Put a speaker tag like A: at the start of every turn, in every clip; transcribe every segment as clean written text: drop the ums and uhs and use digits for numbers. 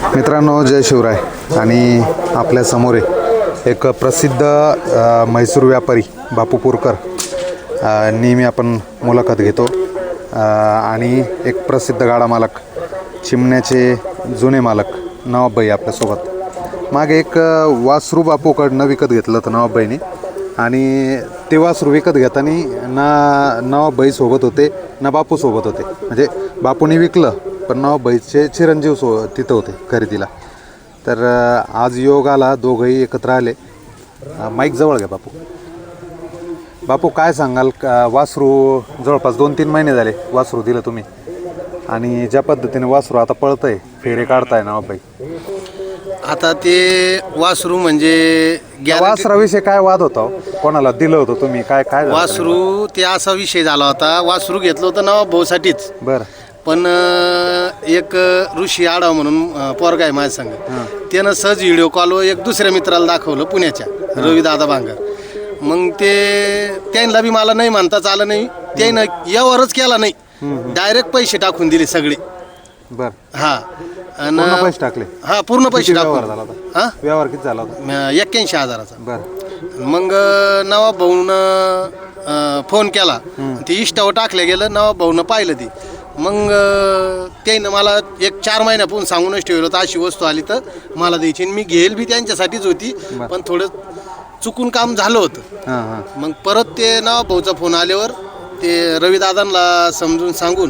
A: मित्रांनो, जय शिवराय. आणि आपल्या समोर आहे एक प्रसिद्ध म्हैसूर व्यापारी बापू पुरकर. नेहमी आपण मुलाखत घेतो. आणि एक प्रसिद्ध गाडा मालक, चिमण्याचे जुने मालक नवाबभाई आपल्यासोबत. मागे एक वासरू बापूकडनं विकत घेतलं होतं नवाबभाईने. आणि ते वासरू विकत घेताना ना नवाबभाई सोबत होते ना बापू सोबत होते. म्हणजे बापूने विकलं पण नवाबभाईचे चिरंजीव तिथं होते खरेदीला. तर आज योग आला, दोघंही एकत्र आले. माईक जवळ घ्या बापू. बापू, काय सांगाल? वासरू जवळपास 2-3 महिने झाले वासरू दिलं तुम्ही, आणि ज्या पद्धतीने वासरू आता पळतंय, फेरे काढताय नवाबभाई.
B: आता ते वासरू म्हणजे
A: वासराविषयी काय वाद होता? कोणाला दिलं होतं तुम्ही? काय काय झालं?
B: वासरू ते असा विषय झाला होता. वासरू घेतलं होतं नवाब भाऊसाठीच.
A: बरं.
B: पण एक ऋषी आडाव म्हणून पोरगा आहे माझ्या संग. त्यानं सहज व्हिडिओ कॉलवर एक दुसऱ्या मित्राला दाखवलं, पुण्याच्या रविदादा भांगर. मग ते त्यांना बी मला नाही म्हणताच आलं नाही. त्यानं यावरच केला नाही, डायरेक्ट पैसे टाकून दिले सगळे.
A: बरं.
B: हा,
A: पूर्ण पैसे टाकले?
B: हा, पूर्ण पैसे
A: व्यवहार
B: टाकून.
A: झाला होता?
B: हा,
A: व्यवहार किती झाला होता?
B: 81,000चा.
A: बरं.
B: मग नवाब भाऊनं फोन केला, ते इष्टावर टाकलं गेलं. नवाब भाऊनं पाहिलं ती. मग त्यानं मला एक 4 महिन्यापासून सांगूनच ठेवलं होतं, अशी वस्तू आली तर मला द्यायची. मी घेईल बी त्यांच्यासाठीच होती, पण थोडं चुकून काम झालं होतं. मग परत ते नवाब भाऊचा फोन आल्यावर ते रविदादांना समजून सांगून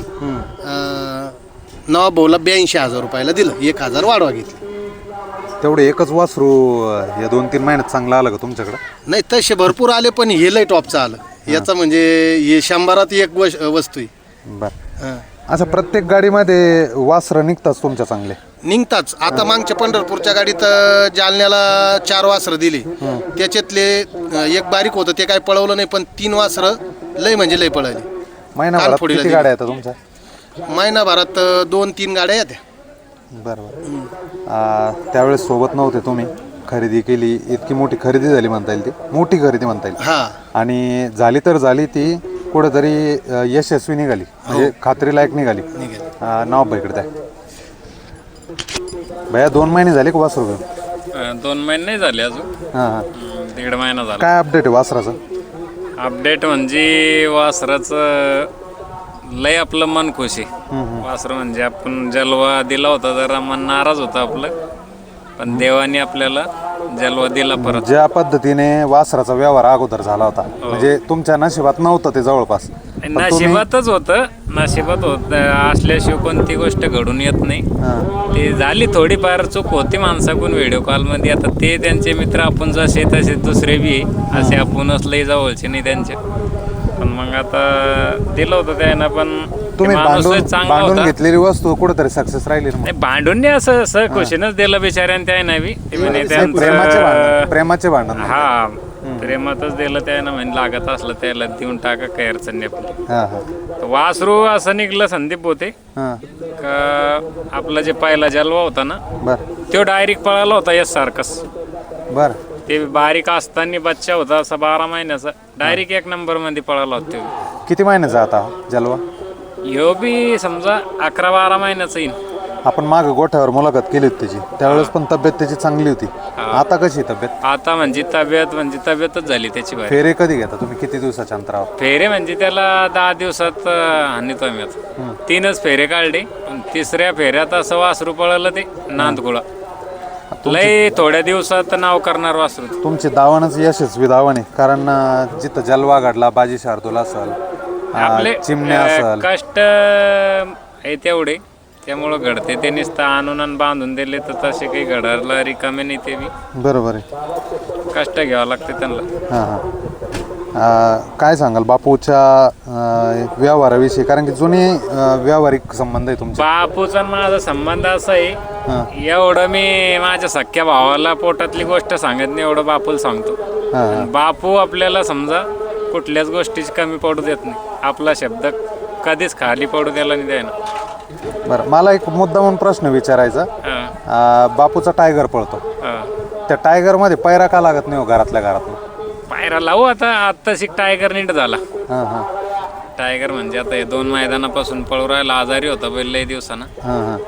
B: नवाब भाऊला 82,000 रुपयाला दिलं. 1,000 वाढवा घेतली.
A: तेवढे एकच वासरू या 2-3 महिन्यात चांगलं आलं का तुमच्याकडं?
B: नाही, तसे भरपूर आले, पण हे लय टॉपचं आलं. याचा म्हणजे हे 100त एक वस्तू आहे.
A: बरं. असं प्रत्येक गाडीमध्ये वासरं निघतात तुमच्या चांगले?
B: निघताच. आता मागच्या पंढरपूरच्या गाडीत जालन्याला 4 वासरं दिली. त्याच्यातले एक बारीक होतं, ते काय पळवलं नाही, पण 3 वासरं लय म्हणजे लय पळाली.
A: महिनाभरात किती गाड्या येतात तुमच्या?
B: महिनाभरात 2-3 गाड्या येत्या.
A: बरोबर. त्यावेळेस सोबत नव्हते तुम्ही, खरेदी केली, इतकी मोठी खरेदी झाली म्हणता येईल, ती मोठी खरेदी म्हणता येईल.
B: हा,
A: आणि झाली तर झाली ती कुठेतरी यशस्वी निघाली, म्हणजे खात्रीलायक निघाली. नवाबभाईकडे द्या भैया. 2 महिने झाले का वासरू घेऊन?
C: 2 महिने नाही झाले अजून.
A: हां.
C: 1.5 महिना झाला.
A: काय अपडेट आहे वासराचं?
C: अपडेट म्हणजे वासराचं लय आपलं मन खुश आहे. वासरं म्हणजे आपण जलवा दिला होता, जरा मन नाराज होता आपलं, पण देवाने आपल्याला जलवा दिला परत.
A: ज्या पद्धतीने वासराचा व्यवहार अगोदर झाला होता, म्हणजे तुमच्या नशिबात नव्हतं ते जवळपास.
C: नशिबातच होतं, नशिबात होत असल्याशिवाय कोणती गोष्ट घडून येत नाही. ते झाली थोडीफार चूक होती माणसाकडून व्हिडिओ कॉलमध्ये. आता ते त्यांचे मित्र आपण जसे तसे दुसरे बी असे आपणच लई जवळचे नाही त्यांचे. पण मग आता दिलं होतं त्यानं, पण
A: तुम्ही
C: चांगला
A: भांडून
C: होता.
A: घेतलेली वस्तू कुठेतरी सक्सेस राहिली ना?
C: नाही, भांडून नाही, असं खुशीनच दिलं बिचाऱ्यानं त्यानं बी.
A: प्रेमाचे भांडण.
C: हा, प्रेमातच दिलं त्यानं, म्हणजे लागत असलं त्याला देऊन टाका, काही अडचण नाही आपली. वासरू असं निघलं संदीप होते का आपला जे पहिला जलवा होता ना, तो डायरेक्ट पळाला होता यस सारखंच.
A: बर.
C: ते बारीक असताना बच्चा होता असा 12 महिन्याचा, डायरेक्ट 1 नंबर मध्ये पळाला होता.
A: किती महिन्याचा आता जलवा?
C: ह्यो बी समजा 11-12 महिन्याचा येईल.
A: आपण माग गोठ्यावर मुलाखत केली होती त्याची, त्यावेळेस पण तब्येत त्याची चांगली होती. आता कशी तब्येत?
C: आता म्हणजे तब्येतच झाली त्याची.
A: फेरे कधी घेता तुम्ही? किती दिवसाच्या अंतरावर?
C: फेरे म्हणजे त्याला 10 दिवसात आणतो आम्ही. आता 3च फेरे काढले. 3ऱ्या फेऱ्यात असं वासरू पळालं ते नांदगुळा. लय थोड्या दिवसात नाव करणार वासरू.
A: तुमची दावणच यशस्वी दावण आहे, कारण जिथं जलवा घडला, बाजी शार्दूल असेल,
C: आपले
A: चिमण्या असेल,
C: कष्ट आहे तेवढे, त्यामुळं घडते. ते नुसतं आणून आणि बांधून दिले तर तसे काही घडायला रिकामे नाही. ते बी
A: बरोबर आहे,
C: कष्ट घ्यावं लागते त्यांना.
A: हां हां. काय सांगाल बापूच्या व्यवहाराविषयी? कारण की जुने व्यावहारिक संबंध आहे तुमचे.
C: बापूचा माझा संबंध असा आहे, एवढं मी माझ्या सख्या भावाला पोटातली गोष्ट सांगत नाही, एवढं बापूला सांगतो. बापू आपल्याला समजा कुठल्याच गोष्टीची कमी पडू देत नाही. आपला शब्द कधीच खाली पडू द्यायला नाही द्यायना.
A: बरं, मला एक मुद्दा म्हणून प्रश्न विचारायचा. बापूचा टायगर पळतो, त्या टायगर मध्ये पैरा का लागत नाही हो घरातल्या घरात?
C: पायरा लावू आता टायगर नीट झाला. टायगर म्हणजे आता हे 2 मैदानापासून पळू राहिला, आजारी होता बैल लय दिवसानं.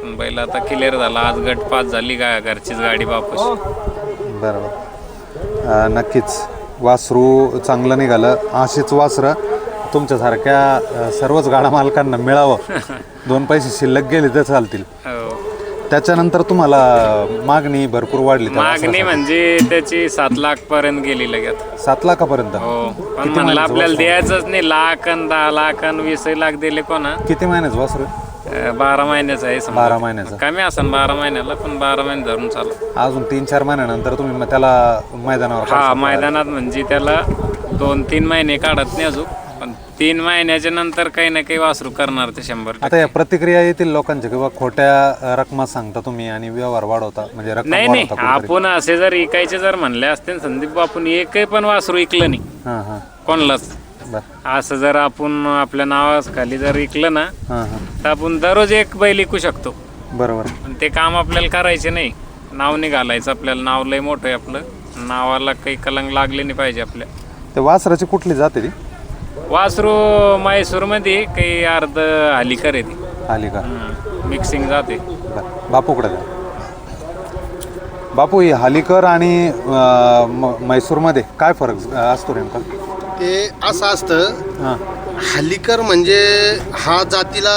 C: पण बैल आता क्लिअर झाला. आज गट पास झाली घरचीच गाडी बापूची.
A: बरोबर. नक्कीच वासरू चांगलं निघालं. अशीच वासरं तुमच्यासारख्या सर्वच गाडा मालकांना मिळावं. 2 पैसे शिल्लक गेले तर चालतील.
C: हो.
A: त्याच्यानंतर तुम्हाला मागणी भरपूर वाढली त्या
C: मागणी
A: वासरासाठी.
C: म्हणजे त्याची 7 लाख पर्यंत गेली लगेच.
A: 7 लाखापर्यंत.
C: हो पण
A: किती
C: म्हणलं
A: महिन्याचं
C: आपल्याला
A: वासरू?
C: द्यायचंच नाही. लाख आणि 10 लाख आणि 20 लाख दिले कोणा.
A: किती महिन्याचं वासरू?
C: 12 महिन्याचं आहे समजा.
A: 12 महिन्याचं.
C: कमी असन 12 महिन्याला, पण 12 महिने धरून चालू.
A: अजून 3-4 महिन्यानंतर तुम्ही मग त्याला मैदानावर
C: हा
A: काढता.
C: मैदानात म्हणजे त्याला 2-3 महिने काढत नाही अजून, पण 3 महिन्याच्या नंतर काही ना काही वासरू करणार ते 100%.
A: आता या प्रतिक्रिया येतील लोकांच्या किंवा खोट्या रकमा सांगता तुम्ही आणि व्यवहार वाढवता, म्हणजे रक्कम
C: नाही
A: वाढवता कुठेतरी.
C: आपण असे जर इकायचे जर म्हणले असते ना संदीप, आपण एकही पण वासरू इकलं नाही
A: हां हां
C: कोणलाच.
A: बरं.
C: असं जर आपण आपल्या नावाखाली जर इकलं ना,
A: हां हां
C: तर आपण दररोज एक बैल इकू शकतो.
A: बरोबर.
C: पण ते काम आपल्याला करायचे नाही. नाव नाही घालायचं आपल्याला. नाव लय मोठं आहे आपलं. नावाला काही कलंक लागले नाही पाहिजे आपल्या.
A: ते वासराची कुठली जाते ती?
C: वासरू म्हैसूरमध्ये काही अर्ध हलिकर आहे ती.
A: आली का?
C: मिक्सिंग जाते.
A: बरं. बापूकडे जा. बापू, ही हालीकर आणि म्हैसूरमध्ये काय फरक असतो नेमका?
B: ते असं असतं,
A: हां
B: हल्लीकर म्हणजे हा जातीला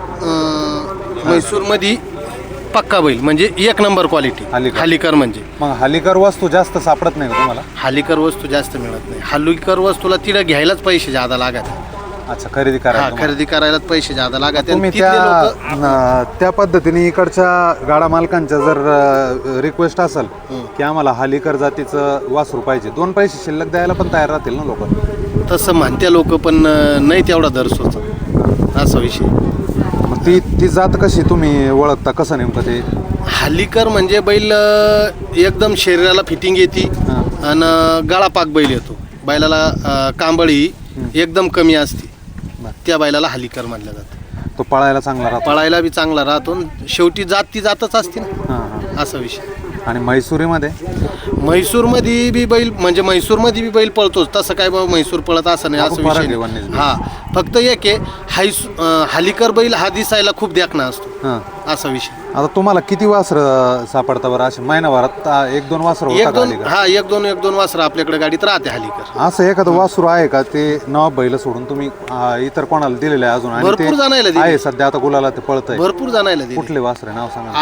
B: म्हैसूरमध्ये पक्का बैल, म्हणजे 1 नंबर क्वालिटी
A: हल्लीकर.
B: हल्लीकर म्हणजे.
A: मग हालीकर वस्तू जास्त सापडत नाही का तुम्हाला?
B: हल्लीकर वस्तू जास्त मिळत नाही. हल्लीकर वस्तूला तिला घ्यायलाच पैसे जादा लागत.
A: अच्छा, खरेदी
B: हा,
A: करायला तुम्हाला.
B: खरेदी करायलाच पैसे जादा लागत.
A: तुम्ही त्या पद्धतीने इकडच्या गाडा मालकांच्या जर रिक्वेस्ट असेल की आम्हाला हालीकर जातीचं वासरू पाहिजे, 2 पैसे शिल्लक द्यायला पण तयार राहतील ना लोक?
B: तसं म्हणत्या लोक, पण नाही तेवढा दर सुचत, असा विषय.
A: मग ती जात कशी तुम्ही ओळखता, कसं नेमकं ते?
B: हल्लीकर म्हणजे बैल एकदम शरीराला फिटिंग येते आणि गळापाक बैल येतो. बैलाला कांबळी एकदम कमी असते. त्या बैलाला हल्लीकर मानलं जातं.
A: तो पळायला चांगला राहतो.
B: पळायला बी चांगला राहतो. शेवटी जात ती जातच असते ना,
A: हां हां.
B: असा विषय.
A: आणि म्हैसूरीमध्ये?
B: म्हैसूरमध्ये बी बैल, म्हणजे म्हैसूरमध्ये बी बैल पळतोच. तसं काय बाबा म्हैसूर पळत असं नाही, असं
A: फरक
B: विषय
A: आहे
B: नाही.
A: वन्यजीव.
B: हा, फक्त एक आहे, हल्लीकर बैल हा दिसायला खूप देखणा असतो,
A: हां.
B: असा विषय.
A: आता तुम्हाला किती वासरं सापडता बरं असे महिनाभरात? 1-2 वासरं होता का हालीकर?
B: एक दोन वासरं आपल्याकडे गाडीत राहते हल्लीकर.
A: असं एखादं वासरू आहे का ते नवाब बैल सोडून तुम्ही इतर कोणाला दिलेलं आहे अजून? आणि
B: भरपूर जणायला दिले.
A: आहे सध्या आता गुलाला ते पळतंय.
B: भरपूर जणायला दिले.
A: कुठले वासरे नाव सांगा?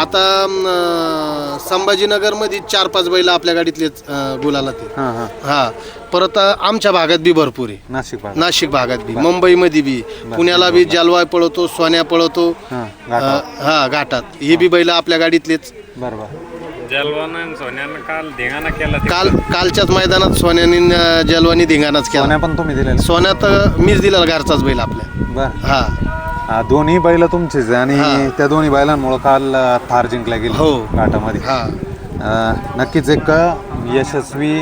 B: आता संभाजीनगर मध्ये 4-5 बैल आपल्या गाडीतलेच गुलाला ते.
A: हां हां.
B: हा, परत आमच्या भागात बी भरपूर आहे. नाशिक भागात बी, मुंबईमध्ये बी, पुण्याला बी जलवाय पळवतो, सोन्या पळवतो.
A: हां,
B: हा, घाटात ही बी बैल आपल्या गाडीतलेच.
A: बरोबर.
C: जलवानं सोन्यानं काल धिंगाणा केला.
B: कालच्याच मैदानात सोन्याने जलवानी धिंगाणाच केला.
A: सोन्या पण तुम्ही दिलेलं?
B: सोन्यात मीच दिला घरचाच बैल आपल्या.
A: बरं.
B: हा,
A: दोन्ही बैल तुमचेच आहे आणि त्या दोन्ही बैलांमुळे काल थार जिंकला गेली
B: हो.
A: घाटामध्ये.
B: हा,
A: नक्कीच एक यशस्वी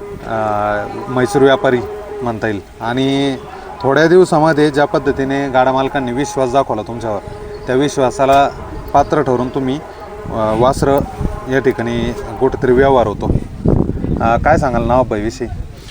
A: म्हैसूर व्यापारी म्हणता येईल. आणि थोड्या दिवसामध्ये ज्या पद्धतीने गाडा मालकांनी विश्वास दाखवला तुमच्यावर, त्या विश्वासाला पात्र ठरून तुम्ही वासरं या ठिकाणी कुठेतरी व्यवहार होतो. काय सांगाल नवाबाईविषयी?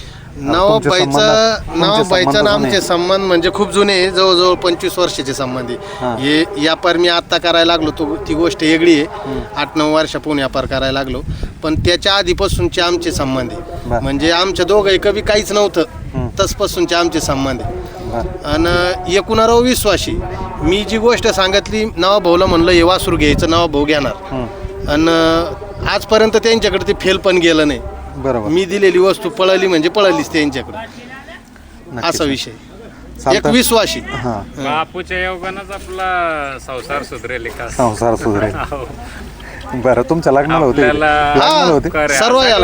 B: नवाबाईचा आमचे संबंध म्हणजे खूप जुने, जवळजवळ 25 वर्षाचे संबंध आहे. हे व्यापार मी आत्ता करायला लागलो ती गोष्ट वेगळी आहे. 8-9 वर्षापूर्वी व्यापार करायला लागलो, पण त्याच्या आधीपासूनचे आमचे संबंध आहे. म्हणजे आमच्या दोघंही कधी काहीच नव्हतं, तसपासूनचे आमचे संबंध आहे. आणि एकूणावर विश्वासी मी जी गोष्ट सांगितली, नवाभाऊला म्हणलं हे वासरू घ्यायचं, नवाभाऊ घेणार. आणि आजपर्यंत त्यांच्याकडे ते फेल पण गेलं नाही.
A: बरोबर.
B: मी दिलेली वस्तू पळाली म्हणजे पळालीच त्यांच्याकडे, असा विषय. एक विश्वासी.
C: बापूच्या योगानंच आपला संसार सुधरेल का?
A: संसार सुधरेल. बरं, तुमच्या लग्नाला होते?
B: सर्व याला.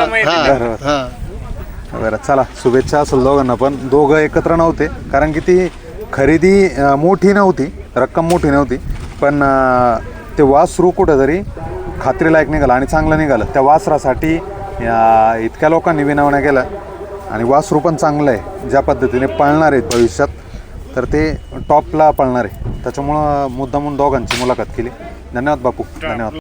A: बरं, चला, शुभेच्छा असेल दोघांना. पण दोघं एकत्र नव्हते कारण की ती खरेदी मोठी नव्हती, रक्कम मोठी नव्हती, पण ते वासरू कुठंतरी खात्रीलायक निघालं आणि चांगलं निघालं. त्या वासरासाठी इतक्या लोकांनी विनवण्या केल्या आणि वासरू पण चांगलं आहे. ज्या पद्धतीने पळणार आहेत भविष्यात, तर ते टॉपला पळणार आहे. त्याच्यामुळं मुद्दामून दोघांची मुलाखत केली. धन्यवाद बापू, धन्यवाद.